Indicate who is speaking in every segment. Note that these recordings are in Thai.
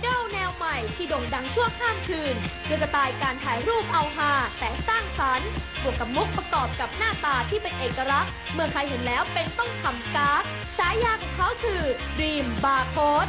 Speaker 1: ดอลแนวใหม่ที่โด่งดังชั่วข้ามคืนด้วยสไตล์การถ่ายรูปเอาฮาแต่สร้างสรรค์บวกกับมุกประกอบกับหน้าตาที่เป็นเอกลักษณ์เมื่อใครเห็นแล้วเป็นต้องขำก๊ากฉายาของเขาคือ Dream Barcode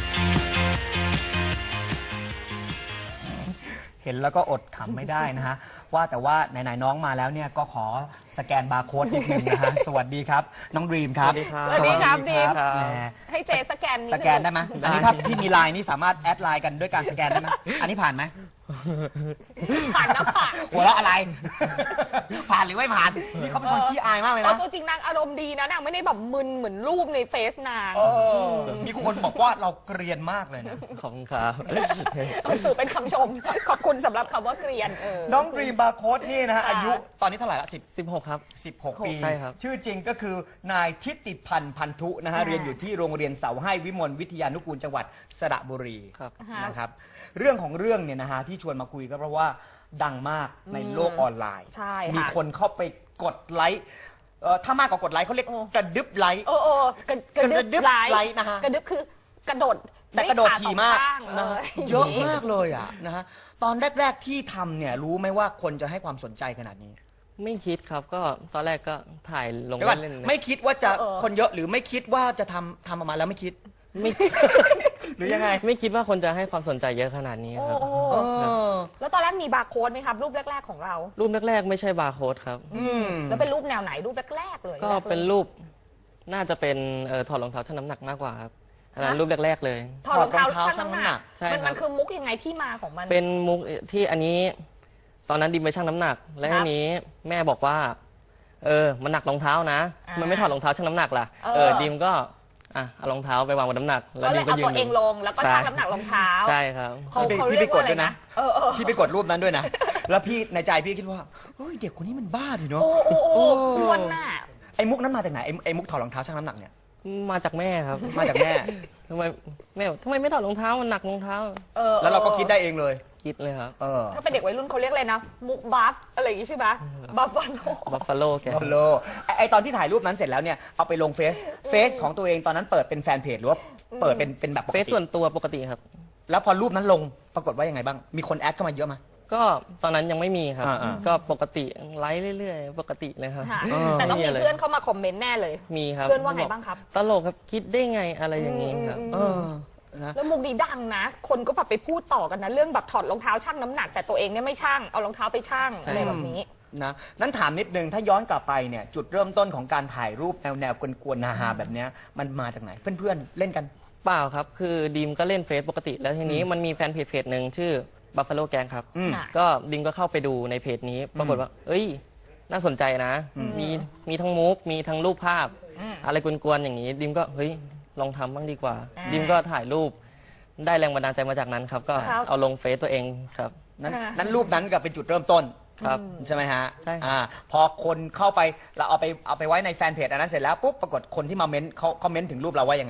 Speaker 2: เห็นแล้วก็อดขำไม่ได้นะฮะว่าแต่ว่าไหนๆน้องมาแล้วเนี่ยก็ขอสแกนบาร์โค้ดนิดนึงนะฮะ สวัสดีครับน้องดรีมครับ
Speaker 3: สวัสดีครับ
Speaker 2: สวัสดีครับ
Speaker 3: ดีม
Speaker 2: แหม
Speaker 3: ให้เจสแกนนิดนึง
Speaker 2: สแกนได้ไหมอันนี้ถ้าพี่มีไลน์นี่สามารถแอดไลน์กันด้วยการสแกนได้ไหมอันนี้ผ่านไหม
Speaker 3: ผ่านนะผ่าน
Speaker 2: หัวเราะอะไร ผ่านหรือไม่ผ่านนี่เขาเป็นคนขี้อายมากเลยนะ
Speaker 3: ตัวจริงนางอารมณ์ดีนะนางไม่ได้แบบมึนเหมือนรูปในเฟซนาง
Speaker 2: มีคนบอกว่าเราเกรียนมากเลยนะ
Speaker 4: ขอบคุณครับ
Speaker 3: เอาสื่อเป็นคำชม ขอบคุณสำหรับคำว่าเกรียน
Speaker 2: น้องดรีมบาร์โค้ดนี่นะฮะ
Speaker 3: ค่ะ
Speaker 2: อายุตอนนี้เท่าไหร่ละ
Speaker 4: 16 ครับ
Speaker 2: 16 ปี
Speaker 4: ใช่ครับ
Speaker 2: ชื่อจริงก็คือนายทิติพันธ์พันธุนะฮะ
Speaker 3: ค่ะ
Speaker 2: เรียนอยู่ที่โรงเรียนเสาให้วิมลวิทยานุกูลจังหวัดสระบุรี
Speaker 4: ครับ
Speaker 2: นะครับเรื่องของเรื่องเนี่ยนะฮะที่ชวนมาคุยก็เพราะว่าดังมากในโลกออนไลน์
Speaker 3: ใช่ค่ะ
Speaker 2: มีคนเข้าไปกดไลค์ถ้ามากกว่ากดไลค์เขาเรียกกระดึบไลค์
Speaker 3: โอ้กระดึบไล
Speaker 2: ไลค์นะฮะ
Speaker 3: กระดึบคือกระโดด
Speaker 2: แต่กระโดดถี่มาก
Speaker 3: นะ
Speaker 2: นะฮะเยอะมากเลยอ่ะนะฮะตอนแรก ๆที่ทำเนี่ยรู้ไหมว่าคนจะให้ความสนใจขนาดนี้
Speaker 4: ไม่คิดครับ ก็ตอนแรกก็ถ่ายลง
Speaker 2: เดี๋ยวก่อน
Speaker 4: เล่นๆ
Speaker 2: ไม่คิดว่าจะคนเยอะหรือไม่คิดว่าจะทำออกมาแล้วไม่คิด
Speaker 4: ไม่
Speaker 2: หรือยังไง
Speaker 4: ไม่คิดว่าคนจะให้ความสนใจเยอะขนาดนี้ครับ
Speaker 2: เออ
Speaker 3: แล้วตอนแรกมีบาร์โค้ดไหมครับ รูปแรกๆของเรา
Speaker 4: รูปแรกๆไม่ใช่บาร์โค้ดครับ
Speaker 3: แล้วเป็นรูปแนวไหนรูปแรกๆเลย
Speaker 4: ก็เป็นรูปน่าจะเป็นถอดรองเท้าชั่งน้ำหนักมากกว่าครับอันนั้นรูปแรกๆเลย
Speaker 3: ถอดรองเท้าชั่งน้ำหนัก
Speaker 4: ใช่ครับ
Speaker 3: มันคือมุกยังไงที่มาของมัน
Speaker 4: เป็นมุกที่อันนี้ ตอนนั้นดิมไปชั่งน้ำหนัก และ
Speaker 3: ครับ
Speaker 4: ทีนี้แม่บอกว่า มันหนักรองเท้านะ มันไม่ถอดรองเท้าชั่งน้ำหนักล่ะ ดิมก็เอารองเท้าไปวางบนน้ำหนัก
Speaker 3: ก็เลย
Speaker 4: ดิม
Speaker 3: เอาตัวเองลงแล้วก็ชั่งน้ำหนักรองเท้า
Speaker 4: ใช่ครับ
Speaker 3: เขา
Speaker 2: พี่
Speaker 3: เรีย
Speaker 2: ไป
Speaker 3: ก
Speaker 2: ก
Speaker 3: ว่า
Speaker 2: ด
Speaker 3: อะไร
Speaker 2: ด้วยนะ
Speaker 3: นะ
Speaker 2: พี่ไปกดรูปนั้นด้วยนะ แล้วพี่ในใจพี่คิดว่าเฮ้ยเด็กคนนี้มันบ้าดิเนาะ
Speaker 3: โอ้อ้วนน่ะ
Speaker 2: ไอ้มุกนั้นมาจากไหนไอ้มุกถอดรองเท้าชั่งน้ำหนักเนี่ย
Speaker 4: มาจากแม่ครับ
Speaker 2: มาจากแม่
Speaker 4: ทำไมแม่บอกทำไมไม่ถอดรองเท้ามันหนักรองเท้า
Speaker 2: แล้วเราก็คิดได้เองเลย
Speaker 4: คิดเลยครับ
Speaker 3: ถ้าเป็นเด็กวัยรุ่นเขาเรียกอะไรนะ มุกบัฟอะไรอย่างงี้ใช่ไหมบัฟฟาโล
Speaker 4: บัฟฟาโลแก
Speaker 2: ฮัลโหลไอตอนที่ถ่ายรูปนั้นเสร็จแล้วเนี่ยเอาไปลงเฟซของตัวเองตอนนั้นเปิดเป็นแฟนเพจหรือว่าเปิดเป็นแบบปก
Speaker 4: เฟซ
Speaker 2: ติ
Speaker 4: ส่วนตัวปกติครับ
Speaker 2: แล้วพอรูปนั้นลงปรากฏว่ายังไงบ้างมีคนแอดเข้ามาเยอะไหม
Speaker 4: ก็ตอนนั้นยังไม่มีครับ
Speaker 2: อ่า
Speaker 4: ก็ปกติไลฟ์เรื่อยๆ ปกติเลยครับ
Speaker 3: ค่ะแต่ต้องมีเพื่อนเข้ามาคอมเมนต์แน่เลย
Speaker 4: มีครับ
Speaker 3: เพื่อนว่าไงบ้างครับ
Speaker 4: ตลกครับคิดได้ไงอะไรอย่างนี้ครับ
Speaker 2: นะ
Speaker 3: แล้วมุกนี้ดังนะ คนก็แบบไปพูดต่อกันนะเรื่องแบบถอดรองเท้าชั่งน้ำหนักแต่ตัวเองเนี่ยไม่ชั่งเอารองเท้าไปชั่งอะไรแบบนี้
Speaker 2: นะนั้นถามนิดนึงถ้าย้อนกลับไปเนี่ยจุดเริ่มต้นของการถ่ายรูปแนวกวนๆฮาๆแบบเนี้ยมันมาจากไหนเพื่อนๆเล่นกัน
Speaker 4: เปล่าครับ คือดีมก็เล่นเฟซปกติ แล้วทีนี้มันมีแฟนเพจหนึ่งชื่อ Buffalo Gang ครับ
Speaker 3: ค่ะ
Speaker 4: ก็ดิมก็เข้าไปดูในเพจนี้ ปรากฏว่า เอ้ย น่าสนใจนะ มีทั้งมุก มีทั้งรูปภาพ อะไรกวนๆอย่างนี้ ดิมก็ เฮ้ย ลองทำบ้างดีกว่า ดิมก็ถ่ายรูป ได้แรงบันดาลใจมาจากนั้นครับ ก็
Speaker 3: ครับ
Speaker 4: เอาลงเฟซตัวเองครับ
Speaker 2: นั้นรูปนั้นก็เป็นจุดเริ่มต้น
Speaker 4: ครับ
Speaker 2: ใช่ไหมฮะ
Speaker 4: ใช่ครับ
Speaker 2: พอคนเข้าไปเราเอาไปไว้ในแฟนเพจอันนั้นเสร็จแล้วปุ๊บปรากฏคนที่มาเม้นเขาเม้นถึงรูปเราว่ายังไง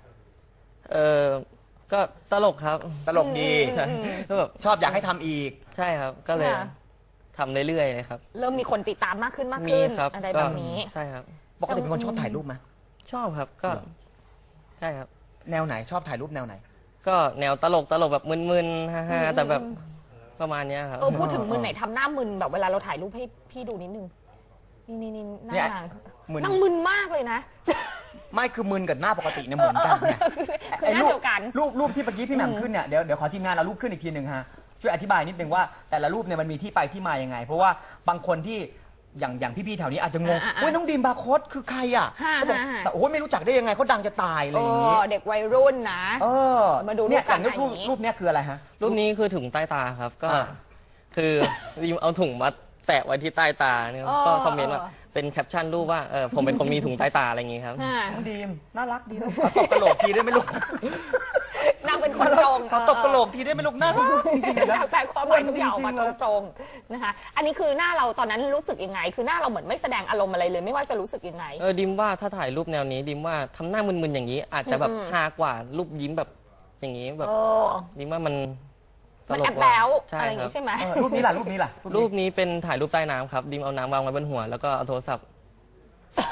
Speaker 4: ก็ตลกครับ
Speaker 2: ตลกดี
Speaker 4: ใช่ก็แบบ
Speaker 2: ชอบอยากให้ทำอีก
Speaker 4: ใช่ครับ ก็เลย
Speaker 3: ค่ะ
Speaker 4: ทำเรื่อยๆเลยครับ
Speaker 3: เริ่มมีคนติดตามมากขึ้น
Speaker 4: มีครับ
Speaker 3: อะไร
Speaker 4: ก็
Speaker 3: แบบนี้
Speaker 4: ใช่ครับ
Speaker 2: ปกติเป็นคนชอบถ่ายรูปไหม
Speaker 4: ชอบครับ ก็ ใช่ครับ
Speaker 2: แนวไหนชอบถ่ายรูปแนวไหน
Speaker 4: ก็แนวตลกแบบมึนๆฮ่าๆแต่แบบประมาณเนี้ยครับ
Speaker 3: พูดถึงมึนไหนทำหน้ามึนแบบเวลาเราถ่ายรูปให้พี่ดูนิดนึงนี่หน้า
Speaker 2: เนี่ย
Speaker 3: นาง
Speaker 2: มึน
Speaker 3: นางมึนมากเลยนะ
Speaker 2: ไม่คือมึนกับหน้าปกติเนี่ยเหมือนกันไง
Speaker 3: คือหน้าเดียวกัน
Speaker 2: รูปที่เมื่อกี้พี่แหม่มขึ้นเนี่ยเดี๋ยวขอทีมงานเอารูปขึ้นอีกทีหนึ่งฮะช่วยอธิบายนิดนึงว่าแต่ละรูปเนี่ยมันมีที่ไปที่มายังไง เพราะว่าบางคนที่อย่างพี่ๆแถวนี้อาจจะงงเฮ้ยน้องดีมบาร์โค้ดคือใครอ่ะเขาบอกแต่โอ้ยไม่รู้จักได้ยังไงเขาดังจะตายอะไรอย่างนี้
Speaker 3: เด็กวัยรุ่นนะ มาดู
Speaker 2: เนี่ย
Speaker 3: รูปกั
Speaker 2: อน ย่างรูปเนี้ยคืออะไรฮะ
Speaker 4: รูปนี้คือถุงใต้ตาครับ ก็ คือริมเอาถุงมาแตะไว้ที่ใต้ตาเนี่ยก็คอมเมนต์ว่าเป็นแคปชั่นรูปว่าผมเป็นคนมีถุงใต้ตาอะไรอย่างงี้ครับ
Speaker 2: น้องดีมน่ารักดีนะขอตบกระโหลกทีได้ไหมลูก
Speaker 3: นางเป็นคนตรง
Speaker 2: ขอตบกระโหลกทีได้ไหมลูกน่ารักจริงๆนะ
Speaker 3: แต่ความหมายทุกอย่างออกมาตรงๆนะคะอันนี้คือหน้าเราตอนนั้นรู้สึกยังไง คือหน้าเราเหมือนไม่แสดงอารมณ์อะไรเลย ไม่ว่าจะรู้สึกยังไง
Speaker 4: ดิมว่าถ้าถ่ายรูปแนวนี้ดิมว่าทำหน้ามึนๆอย่างนี้ อาจจะแบบฮากว่ารูปยิ้มแบบอย่างนี้แบบดิมว่ามันต
Speaker 3: มัน
Speaker 4: ล
Speaker 3: แอก บ
Speaker 4: ก
Speaker 3: แบ
Speaker 4: ว่า
Speaker 3: ว
Speaker 4: ใช่
Speaker 3: อะไรอย่าง
Speaker 4: ครับ
Speaker 3: งี้ใช่ไหม
Speaker 2: รูปนี้ล่ะ
Speaker 4: รูปนี้เป็นถ่ายรูปใต้น้ำครับดิมเอาน้ำวางไว้บนหัวแล้วก็เอาโทรศัพท์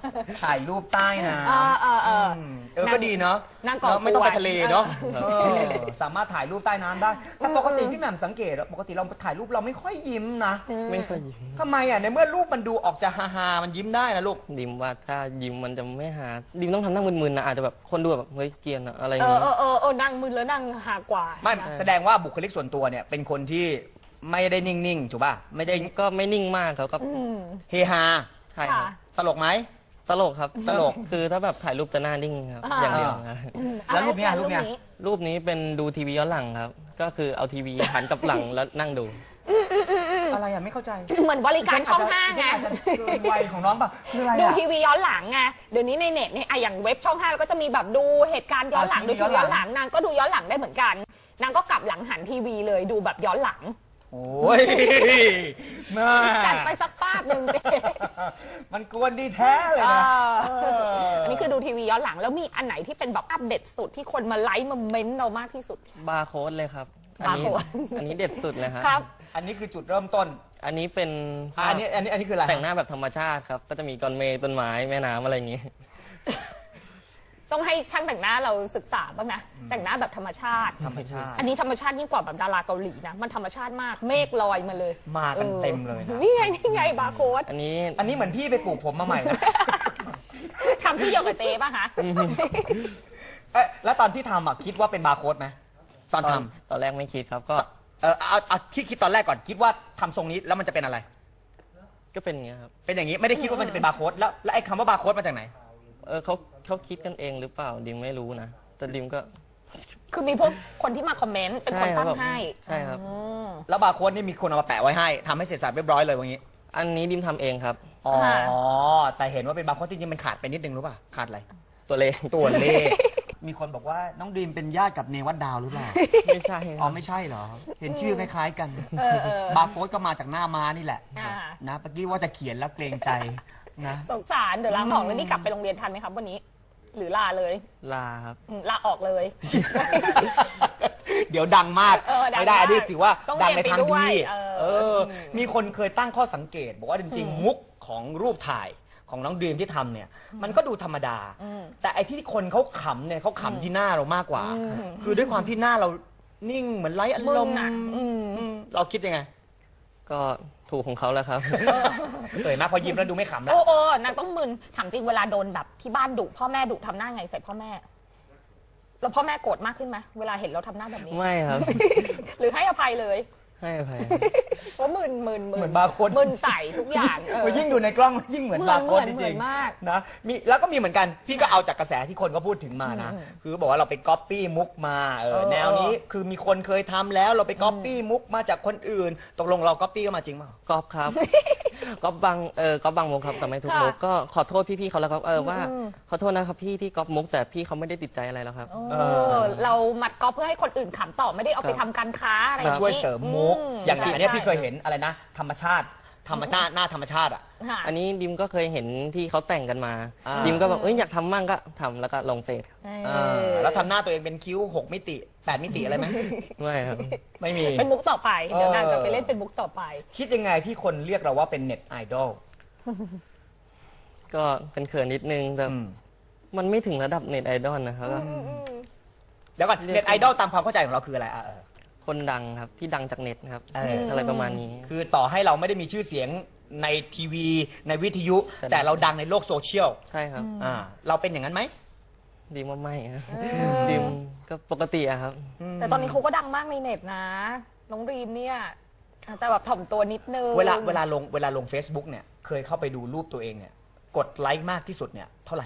Speaker 2: ถ่ายรูปใต้น้ ก็ดีเนาะ
Speaker 3: นั่งกอด
Speaker 2: ไม่ต้องไปทะเลเนาะ
Speaker 3: เอ
Speaker 2: สามารถถ่ายรูปใต้น้ำได้แต่ปกติพี่แหม่มสังเกตปกติเราถ่ายรูปเราไม่ค่อยยิ้มนะ
Speaker 4: ไม่ค่อยยิ้ม
Speaker 2: ทำไมอ่ะในเมื่อรูปมันดูออกจะฮาๆมันยิ้มได้นะลูก
Speaker 4: ดิมว่าถ้ายิ้มมันจะไม่หาดิมต้องทำหน้ามึนๆนะอาจจะแบบคนดูแบบเฮ้ยเกรียนอะอะไรอย่างเงี้ย
Speaker 3: นั่งมึนแล้วนั่งหากว่า
Speaker 2: ไม่แสดงว่าบุคลิกส่วนตัวเนี่ยเป็นคนที่ไม่ได้นิ่งๆถูกป่ะไม่ได้
Speaker 4: ก็ไม่นิ่งมากครับก็
Speaker 2: เฮฮา
Speaker 4: ใช่ครับ
Speaker 3: ค่ะ
Speaker 2: ตลกไหม
Speaker 4: ตลกครับ
Speaker 2: ตลก
Speaker 4: คือถ้าแบบถ่ายรูปจะหน้านิ่งครับอย่างเดียวครับ
Speaker 2: แล้วรูปเนี้ย
Speaker 4: รูปนี้เป็นดูทีวีย้อนหลังครับ ก็คือเอาทีวีหันกลับหลังแล้วนั่งดู
Speaker 2: อะไรอ่ะไม่เข้าใจ
Speaker 3: เหมือนบริการช่องห้าไง
Speaker 2: อาจจะเกินวัยของน้องป่ะคืออะไร
Speaker 3: ดู
Speaker 2: อ่ะ
Speaker 3: ทีวีย้อนหลังไงเดี๋ยวนี้ในเน็ตเนี่ยอย่างเว็บช่อง5ก็จะมีแบบดูเหตุการณ์ย้อนหลัง
Speaker 2: ที
Speaker 3: ดู
Speaker 2: วี
Speaker 3: ทีวีย้อนห
Speaker 2: ย้อนหลั
Speaker 3: ลั
Speaker 2: ง
Speaker 3: งนางก็ดูย้อนหลังได้เหมือนกันนางก็กลับหลังหันทีวีเลยดูแบบย้อนหลัง
Speaker 2: โอ้ยแม่
Speaker 3: จัดไปสักป้าบหนึ่งสิ
Speaker 2: มันกวนดีแท้เลยนะ
Speaker 3: อันนี้คือดูทีวีย้อนหลังแล้วมีอันไหนที่เป็นแบบอัปเดตสุดที่คนมาไลค์มาเม้นต์เรามากที่สุด
Speaker 4: บาร์โค้ดเลยครับ
Speaker 3: บาร์โค้ด
Speaker 4: อันนี้เด็ดสุดเลยครับ
Speaker 3: ครับ
Speaker 2: อันนี้คือจุดเริ่มต้น
Speaker 4: อันนี้เป็น
Speaker 2: อันนี้คืออะไร
Speaker 4: แต่งหน้าแบบธรรมชาติครับ ก็จะมีก้อนเมฆต้นไม้แม่น้ำอะไรอย่างงี้
Speaker 3: ต้องให้ช่างแต่งหน้าเราศึกษาบ้างนะแต่งหน้าแบบธรรมชาติ
Speaker 2: ธรรมชาติ
Speaker 3: อันนี้ธรรมชาติยิ่งกว่าแบบดาราเกาหลีนะมันธรรมชาติมากเมฆลอยมาเลย
Speaker 2: มากันเต็มเลยนะ
Speaker 3: นี่ไงบาร์โค้ด
Speaker 4: อันนี้
Speaker 2: อันนี้เหมือนพี่ไปปลูกผมมาใหม่นะ
Speaker 3: ทำที่เดียวกับเจ๊ป่ะคะ
Speaker 2: เอ๊ะแล้วตอนที่ทำอ่ะคิดว่าเป็นบาร์โค้ดไหมตอนท
Speaker 4: ตอนแรกไม่คิดครับ ก็
Speaker 2: ำเอาคิดตอนแรกก่อนคิดว่าทำทรงนี้แล้วมันจะเป็นอะไร
Speaker 4: ก็เป็นอย่างเงี้ยครับ
Speaker 2: เป็นอย่างนี้ไม่ได้คิดว่ามันจะเป็นบาร์โค้ดแล้วไอ้คำว่าบาร์โค้ดมาจากไหน
Speaker 4: เขาคิดกันเองหรือเปล่าดิมไม่รู้นะแต่ดิมก็
Speaker 3: คือมีพวกคนที่มาคอมเมนต์เป็นคนตั้งให้
Speaker 4: ใช่ครับ
Speaker 3: อืม
Speaker 2: แล้วบาร์โค้ดนี่มีคนเอามาแปะไว้ให้ทำให้เสร็จสรรพเรียบร้อยเลยวันนี้
Speaker 4: อันนี้ดิมทำเองครับ
Speaker 2: อ๋อ
Speaker 3: ค่ะ
Speaker 2: แต่เห็นว่าเป็นบาร์โค้ดจริงๆมันขาดไปนิดนึงรู้ป่ะขาดอะไร
Speaker 4: ตัวเลข
Speaker 2: ตัวเลข มีคนบอกว่าน้องดีมเป็นญาติกับเนวัดดาวหรือเปล่า
Speaker 4: ไม่ใช่ครับ
Speaker 2: อ๋อไม่ใช่เหรอ เห็นชื่อคล้ายๆกัน บาร์โค้ดก็มาจากหน้าม้านี่แหละ
Speaker 3: อ่า
Speaker 2: นะเมื่อกี้ว่าจะเขียนแล้วเกรงใจนะ
Speaker 3: สงสารเดี๋ยวลาออกแล้วนี่กลับไปโรงเรียนทันไหมครับวันนี้ หรือลาเลย
Speaker 4: ลาครับ
Speaker 3: ลาออกเลย
Speaker 2: เดี๋ยวดังมาก
Speaker 3: ดัง
Speaker 2: ไม่ได้
Speaker 3: มาก
Speaker 2: อันนี้ถือว่า
Speaker 3: ต้อง
Speaker 2: ดังใน
Speaker 3: เรียน
Speaker 2: ทาง
Speaker 3: ไปด้ว
Speaker 2: ดี
Speaker 3: ย
Speaker 2: มีคนเคยตั้งข้อสังเกต บอกว่าจริงๆมุกของรูปถ่ายของน้องดีมที่ทำเนี่ย มันก็ดูธรรมดา แต่ไอ้ที่คนเขาขำเนี่ยเขาขำที่หน้าเรามากกว่า คือด้วยความที่หน้าเรานิ่งเหมือนไร้อารมณ์
Speaker 3: มึนอะอืม
Speaker 2: เราคิดยังไง
Speaker 4: ก็ถูกของเขาแล้วครับ
Speaker 2: เอ่ยมาพอยิ้มแล้วดูไม่ขำแล้ว
Speaker 3: โอ้นางต้องมึนถามจริงเวลาโดนแบบที่บ้านดุพ่อแม่ดุทำหน้าไงใส่พ่อแม่แล้วพ่อแม่โกรธมากขึ้นไหมเวลาเห็นเราทำหน้าแบบนี้
Speaker 4: ไม่ครับ
Speaker 3: หรือให้อภัยเลย
Speaker 4: ให้อภัย
Speaker 3: เพราะมึน
Speaker 2: เหมือนบาร์โค้ด
Speaker 3: มึนใส่ทุกอย่างเออ
Speaker 2: ยิ่งดูในกล้องยิ่งเหมือนบาร์โค้ดจ
Speaker 3: เหมื
Speaker 2: ริ
Speaker 3: อง นมาก
Speaker 2: ๆนะมีแล้วก็มีเหมือนกันพี่ก็เอาจากกระแสที่คนก็พูดถึงมานะ คือบอกว่าเราไปก๊อปปี้มุกมาแนวนี้คือมีคนเคยทำแล้วเราไปก๊อปปี้มุกมาจากคนอื่น ตกลงเราก๊อปปี้ก็มาจริงเปล่า
Speaker 4: ก๊อฟครับ ก๊อฟบางมุกครับแต่ไม่ทุกมุกก็ขอโทษพี่ๆเขาแล้วครับว่าขอโทษนะครับพี่ที่ก๊อปมุกแต่พี่เขาไม่ได้ติดใจอะไรแล้วครับ
Speaker 3: เรามัดก๊อปเพื่อให้คนอื่นขำต่อไม่ได้เอาไปทำการค้าอะไรอย่างนี้
Speaker 2: ช่วยเสริมมุก อย่างอันเนี้ย
Speaker 3: ใช่
Speaker 2: พี่เคยเห็นอะไรนะ ธรรมชาติหน้าธรรมชาติอ่ะ
Speaker 3: ค่ะ
Speaker 4: อันนี้ดิมก็เคยเห็นที่เขาแต่งกันมา
Speaker 2: ดิ
Speaker 4: ดิมก็แบบอยากทำมั่งก็ทำแล้วก็ลงเฟซครับ
Speaker 2: แล้วทำหน้าตัวเองเป็นคิ้ว6 มิติ 8 มิติอะไรไหม
Speaker 4: ไม่ครับ
Speaker 2: ไม่มี
Speaker 3: เป็นมุกต่อไปเดี๋ยวนางจะไปเล่นเป็นมุกต่อไป
Speaker 2: คิดยังไงที่คนเรียกเราว่าเป็นเน็ตไอดอล
Speaker 4: ก็เป็นเขินนิดนึงแต่มันไม่ถึงระดับเน็ตไอดอลนะครับก็
Speaker 2: เดี๋ยวก่อนเน็ตไอดอลตามความเข้าใจของเราคืออะไร
Speaker 4: คนดังครับที่ดังจากเน็ตครับ
Speaker 2: เอออ
Speaker 4: อะไรประมาณนี้
Speaker 2: คือต่อให้เราไม่ได้มีชื่อเสียงในทีวีในวิทยุ แต่เราดังในโลกโซเชียล
Speaker 4: ใช่ครับ
Speaker 2: เราเป็นอย่างนั้นไหม
Speaker 4: ดิมว่าไม่ครับดิมก็ปกติอะครับ
Speaker 3: แต่ตอนนี้เขาก็ดังมากในเน็ตนะ น้องรีมเนี่ย แต่แบบถ่อมตัวนิดนึง
Speaker 2: เวลาลง Facebook เนี่ยเคยเข้าไปดูรูปตัวเองเนี่ยกดไลค์มากที่สุดเนี่ยเท่าไหร่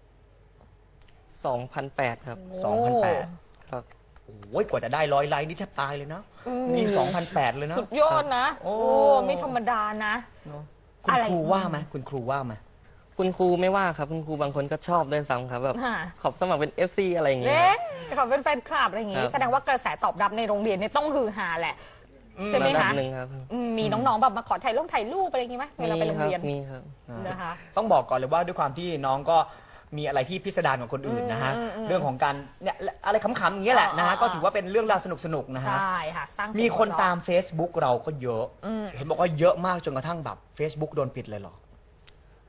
Speaker 4: 2008 ครับ
Speaker 2: 2008
Speaker 4: ครับ
Speaker 2: โอ้ยกว่าจะได้100 ไลค์นี่แทบตายเลยนะนี่2008 เลยนะ
Speaker 3: สุดยอดนะ
Speaker 2: โอ้
Speaker 3: ไม่ธรรมดานะ
Speaker 2: คุณ
Speaker 3: อะไร
Speaker 2: ครูว่าไหมคุณครูว่าไหม
Speaker 4: คุณครูไม่ว่าครับคุณครูบางคนก็ชอบด้วยซ้ำครับแบบ
Speaker 3: ค่ะ
Speaker 4: ขอบสมัครเป็น FC อะไรอย่างเงี้ย
Speaker 3: เอ๊ะขอเป็นแฟนคลับอะไรอย่างงี้
Speaker 4: ครับ
Speaker 3: แสดงว่ากระแสตอบรับในโรงเรียนเนี่ยต้องฮือฮาแหละ ใช่ไหม
Speaker 4: ระดับ
Speaker 3: คะ
Speaker 4: หนึ่งครับ
Speaker 3: มีน้องๆแบบมาขอถ่ายรูปอะไรอย่างงี้ไหมเวลาไปโรงเรียน
Speaker 4: มีครับ
Speaker 3: นะคะ
Speaker 2: ต้องบอกก่อนเลยว่าด้วยความที่น้องก็มีอะไรที่พิสดารกว่าคนอื่นนะฮะเรื่องของการเนี่ยอะไรขำๆอย่างเงี้ยแหละนะฮะก็ถือว่าเป็นเรื่องราวสนุกๆนะฮะ
Speaker 3: ใช่ค่ะสร้างเสียง
Speaker 2: มีคน
Speaker 3: หัวเระ
Speaker 2: ตาม Facebook เราก็เยอะ เห็นบอกว่าเยอะมากจนกระทั่งแบบ Facebook โดนปิดเลยเหรอ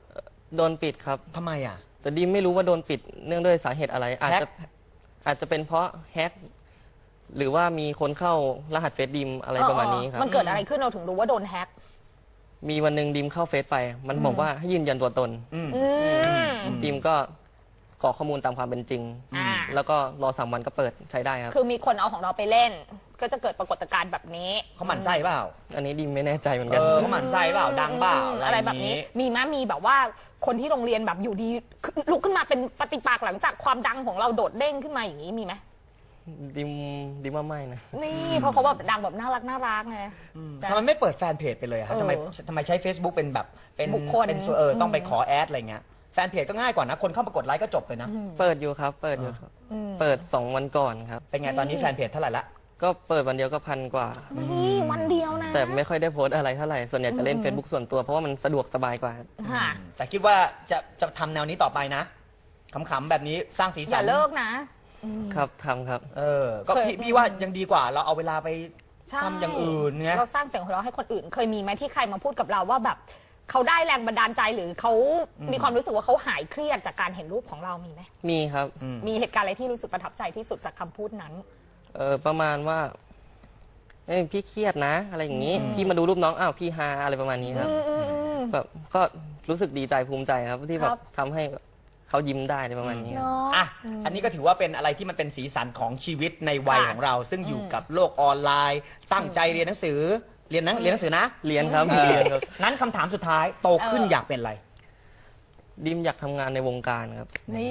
Speaker 4: โดนปิดครับ
Speaker 2: ทำไมอ่ะ
Speaker 4: แต่ดิมไม่รู้ว่าโดนปิดเนื่องด้วยสาเหตุอะไร อาจ
Speaker 2: แฮ็
Speaker 4: จะ
Speaker 2: ก
Speaker 4: อาจจะเป็นเพราะแฮกหรือว่ามีคนเข้ารหัสเฟซดิมอะไรประมาณนี้ครับ
Speaker 3: มันเกิดอะไรขึ้นเราถึงรู้ว่าโดนแฮ็ก
Speaker 4: มีวันหนึ่งดิมเข้าเฟซไป มันบอกว่าให้ยืนยันตัวตน
Speaker 2: อืม
Speaker 4: ดิมก็กรอกข้อมูลตามความเป็นจริง
Speaker 3: อ่า
Speaker 4: แล้วก็รอ3 วันก็เปิดใช้ได้ครับ
Speaker 3: คือมีคนเอาของเราไปเล่น ก็จะเกิดปรากฏการณ์แบบนี้
Speaker 2: เขาหมั่นไส้เปล่า
Speaker 4: อันนี้ดิมไม่แน่ใจเหมือนกัน
Speaker 2: เขาหมั่นไส้เปล่า ดังเปล่า
Speaker 3: อะไรแบบนี้ มีไหมมีแบบว่าคนที่โรงเรียนแบบอยู่ดีลุกขึ้นมาเป็นปฏิปักษ์หลังจากความดังของเราโดดเด้งขึ้นมาอย่างนี้มีไหม
Speaker 4: ดิมว่าไม่นะ
Speaker 3: นี่เพราะเขาแบบดังแบบน่ารักไง
Speaker 2: ทำไมไม่เปิดแฟนเพจไปเลยอะครับ
Speaker 3: เออ
Speaker 2: ทำไมใช้ Facebook เป็นแบบเป็น
Speaker 3: บุคคล
Speaker 2: เป็นต้องไปขอแอดอะไรเงี้ยแฟนเพจก็ง่ายกว่านะ คนเข้ามากดไลค์ก็จบเลยนะ
Speaker 4: เปิดอยู่ครับ เปิดอยู่ครับ เปิด2 วันก่อนครับ
Speaker 2: เป็นไงตอนนี้แฟนเพจเท่าไหร่ละ
Speaker 4: ก็เปิดวันเดียวก็1,000 กว่า
Speaker 3: นี่วันเดียวนะ
Speaker 4: แต่ไม่ค่อยได้โพสต์อะไรเท่าไหร่ ส่วนใหญ่จะเล่น Facebook ส่วนตัวเพราะว่ามันสะดวกสบายกว่า
Speaker 3: ค่ะ
Speaker 2: แต่คิดว่าจะทำแนวนี้ต่อไปนะขำๆแบบนี้สร้างสีสัน
Speaker 3: อย่าเลิกนะ
Speaker 4: ครับทำครับ
Speaker 2: ก็
Speaker 3: เคย
Speaker 2: พี่ว่ายังดีกว่าเราเอาเวลาไป
Speaker 3: ใช่
Speaker 2: ทำอย่างอื่นเงี้ย
Speaker 3: เราสร้างเสียงหัวเราะให้คนอื่น เคยมีไหมที่ใครมาพูดกับเราว่าแบบเขาได้แรงบันดาลใจหรือเขามีความรู้สึกว่าเขาหายเครียดจากการเห็นรูปของเรามีไหม
Speaker 4: มีครับ
Speaker 3: มีเหตุการณ์อะไรที่รู้สึกประทับใจที่สุดจากคำพูดนั้น
Speaker 4: ประมาณว่าเอ้ยพี่เครียดนะ อะไรอย่างนี้ พี่มาดูรูปน้องอ้าวพี่ฮาอะไรประมาณนี้ครับแบบก็รู้สึกดีใจภูมิใจครับ ที่แบ
Speaker 3: ครับ บ
Speaker 4: ทำให้เขายิ้มได้อะไรประมาณนี้ครับ
Speaker 3: เนาะ
Speaker 2: อ่ะอันนี้ก็ถือว่าเป็นอะไรที่มันเป็นสีสันของชีวิตในวัย
Speaker 3: ค่ะ
Speaker 2: ของเรา ซึ่งอยู่กับโลกออนไลน์ ตั้งใจเรียนหนังสือเรียนหนังสือนะ
Speaker 4: เรียนครับ
Speaker 2: เออ
Speaker 4: เรียนครับ
Speaker 2: งั้นคำถามสุดท้ายโตขึ้นอยากเป็นอะไร
Speaker 4: ดิมอยากทำงานในวงการครับ
Speaker 3: นี่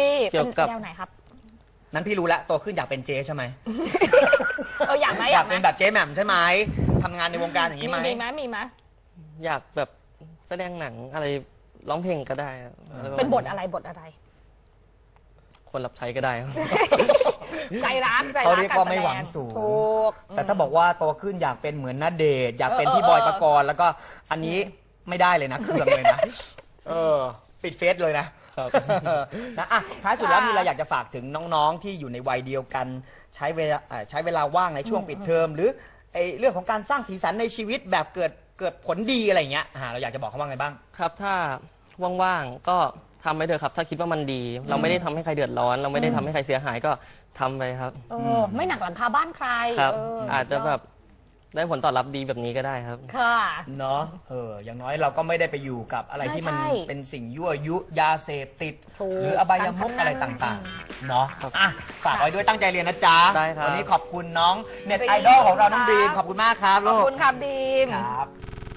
Speaker 4: เกี่ยวกับ
Speaker 3: ป็นแนวไหนครับ
Speaker 2: นั้นพี่รู้แล้วโตขึ้นอยากเป็นเจ๊ใช่ไหม
Speaker 3: อยากไหม
Speaker 2: อยากเป็นแบบเจ๊แหม่มใช่ไหมทำงานในวงการอย่างนี้ไหม
Speaker 3: มีไหม
Speaker 4: อยากแบบแสดงหนังอะไรร้องเพลงก็ได้ครับอะไรประมาณ
Speaker 3: เป็นบทอะไรบทอะไร
Speaker 4: คนรับใช้ก็ได้ครับ
Speaker 3: ใจรัก
Speaker 2: เขาเรียกว่าไม่หวังสูง
Speaker 3: ถูก
Speaker 2: แต่ถ้าบอกว่าโตขึ้นอยากเป็นเหมือนณเดชน์อยากเป็นพี่
Speaker 3: เออ
Speaker 2: บอยปกรณ์แล้วก็อันนี้ไม่ได้เลยนะเครื่องเลยนะปิดเฟซเลยนะครับ นะอ่ะท้ายสุดแล้วมีอะไรอยากจะฝากถึงน้องๆที่อยู่ในวัยเดียวกันใช้เวลาว่างในช่วงปิดเทอมหรือไอ้เรื่องของการสร้างสีสันในชีวิตแบบเกิดผลดีอะไรอย่างเงี้ยเราอยากจะบอกเขาว่าไงบ้าง
Speaker 4: ครับถ้าว่างๆก็ทำไปเถอะครับ ถ้าคิดว่ามันดี เราไม่ได้ทำให้ใครเดือดร้อน เราไม่ได้ทำให้ใครเสียหายก็ทำไปครับ
Speaker 3: ไม่หนักหลังคาบ้านใคร
Speaker 4: ครับ
Speaker 3: เ
Speaker 4: อาจจะแบบได้ผลตอบรับดีแบบนี้ก็ได้ครับ
Speaker 3: ค่ะ
Speaker 2: เนาะอย่างน้อยเราก็ไม่ได้ไปอยู่กับอะไรที่มัน
Speaker 3: ใช่
Speaker 2: เป็นสิ่งยั่วยุยาเสพติด
Speaker 3: ถูก
Speaker 2: หรืออบายมุขอะไรต่างๆเนาะอ่ะฝากไว้ด้วยตั้งใจเรียนนะจ๊ะ
Speaker 4: ได้ครับ
Speaker 2: วันนี้ขอบคุณน้องเน็ตไอดอลของเราน้องบีมขอบคุณมากครับ
Speaker 3: ขอบ
Speaker 2: ลูก
Speaker 3: คุณครับดีม
Speaker 2: ครับ